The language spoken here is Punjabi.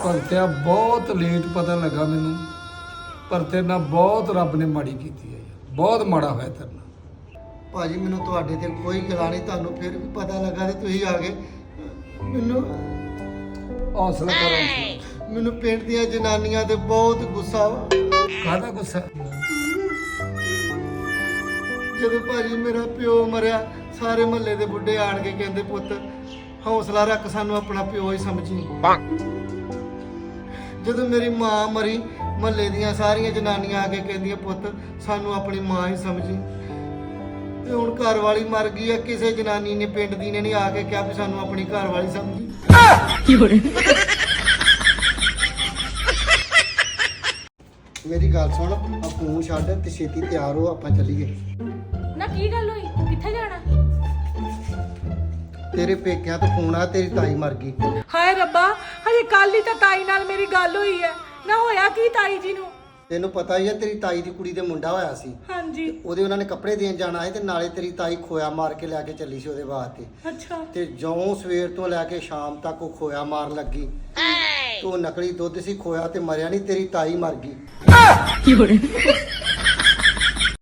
ਭਗਤਿਆ ਬਹੁਤ ਲੇਟ ਪਤਾ ਲੱਗਾ ਮੈਨੂੰ, ਪਰ ਤੇਰੇ ਨਾਲ ਬਹੁਤ ਰੱਬ ਨੇ ਮਾੜੀ ਕੀਤੀ ਹੈ, ਬਹੁਤ ਮਾੜਾ ਹੋਇਆ ਤੇਰੇ ਨਾਲ। ਭਾਜੀ ਮੈਨੂੰ ਤੁਹਾਡੇ ਤੇ ਕੋਈ ਗਿਲਾ ਨਹੀਂ, ਤੁਹਾਨੂੰ ਫਿਰ ਵੀ ਪਤਾ ਲੱਗਾ ਤੇ ਤੁਸੀਂ ਆ ਗਏ। ਮੈਨੂੰ ਹੌਸਲਾ ਕਰੋ। ਮੈਨੂੰ ਪਿੰਡ ਦੀਆਂ ਜਨਾਨੀਆਂ ਤੇ ਬਹੁਤ ਗੁੱਸਾ ਵਾ। ਕਾਹਦਾ ਗੁੱਸਾ? ਜਦੋਂ ਭਾਜੀ ਮੇਰਾ ਪਿਓ ਮਰਿਆ, ਸਾਰੇ ਮਹੱਲੇ ਦੇ ਬੁੱਢੇ ਆਣ ਕੇ ਕਹਿੰਦੇ ਪੁੱਤ ਹੌਸਲਾ ਰੱਖ, ਸਾਨੂੰ ਆਪਣਾ ਪਿਓ ਹੀ ਸਮਝੀ। ਜਦੋਂ ਮੇਰੀ ਮਾਂ ਮਰੀ, ਮਹੱਲੇ ਦੀਆਂ ਸਾਰੀਆਂ ਜਨਾਨੀਆਂ ਆ ਕੇ ਕਹਿੰਦੀਆਂ ਪੁੱਤ ਸਾਨੂੰ ਆਪਣੀ ਮਾਂ ਹੀ ਸਮਝੀ। ਤੇ ਹੁਣ ਘਰ ਵਾਲੀ ਮਰ ਗਈ ਆ, ਕਿਸੇ ਜਨਾਨੀ ਨੇ ਪਿੰਡ ਦੀ ਨੇ ਨਹੀਂ ਆ ਕੇ ਕਿਹਾ ਵੀ ਸਾਨੂੰ ਆਪਣੀ ਘਰ ਵਾਲੀ ਸਮਝੀ। ਮੇਰੀ ਗੱਲ ਸੁਣ, ਆ ਫੋਨ ਛੱਡ ਤੇ ਛੇਤੀ ਤਿਆਰ ਹੋ, ਆਪਾਂ ਚੱਲੀਏ। ਨਾ ਕੀ ਗੱਲ ਹੋਈ, ਕਿੱਥੇ ਜਾਣਾ? ਤੇਰੇ ਪੇਕਿਆਂ ਤੋਂ ਫੋਨ ਆ, ਤੇਰੀ ਤਾਈ ਮਰ ਗਈ। ਹਾਏ ਰੱਬਾ, ਹਜੇ ਕੱਲ ਹੀ ਤਾਂ ਤਾਈ ਨਾਲ ਮੇਰੀ ਗੱਲ ਹੋਈ ਹੈ। ਨਾ ਹੋਇਆ ਕੀ ਤਾਈ ਜੀ ਨੂੰ? ਤੈਨੂੰ ਪਤਾ ਹੀ ਆ ਤੇਰੀ ਤਾਈ ਦੀ ਕੁੜੀ ਦੇ ਮੁੰਡਾ ਹੋਇਆ ਸੀ। ਹਾਂਜੀ। ਉਹਦੇ ਉਹਨਾਂ ਨੇ ਕੱਪੜੇ ਦੇਣ ਜਾਣਾ ਸੀ ਤੇ ਨਾਲੇ ਤੇਰੀ ਤਾਈ ਖੋਇਆ ਮਾਰ ਕੇ ਲੈ ਕੇ ਚੱਲੀ ਸੀ ਉਹਦੇ ਵਾਸਤੇ। ਅੱਛਾ। ਤੇ ਜਿਉਂ ਸਵੇਰ ਤੋਂ ਲੈ ਕੇ ਸ਼ਾਮ ਤੱਕ ਉਹ ਖੋਇਆ ਮਾਰਨ ਲੱਗੀ। ਤੇ ਉਹ ਨਕਲੀ ਦੁੱਧ ਸੀ, ਖੋਇਆ ਤੇ ਮਰਿਆ ਨਹੀਂ, ਤੇਰੀ ਤਾਈ ਮਰ ਗਈ।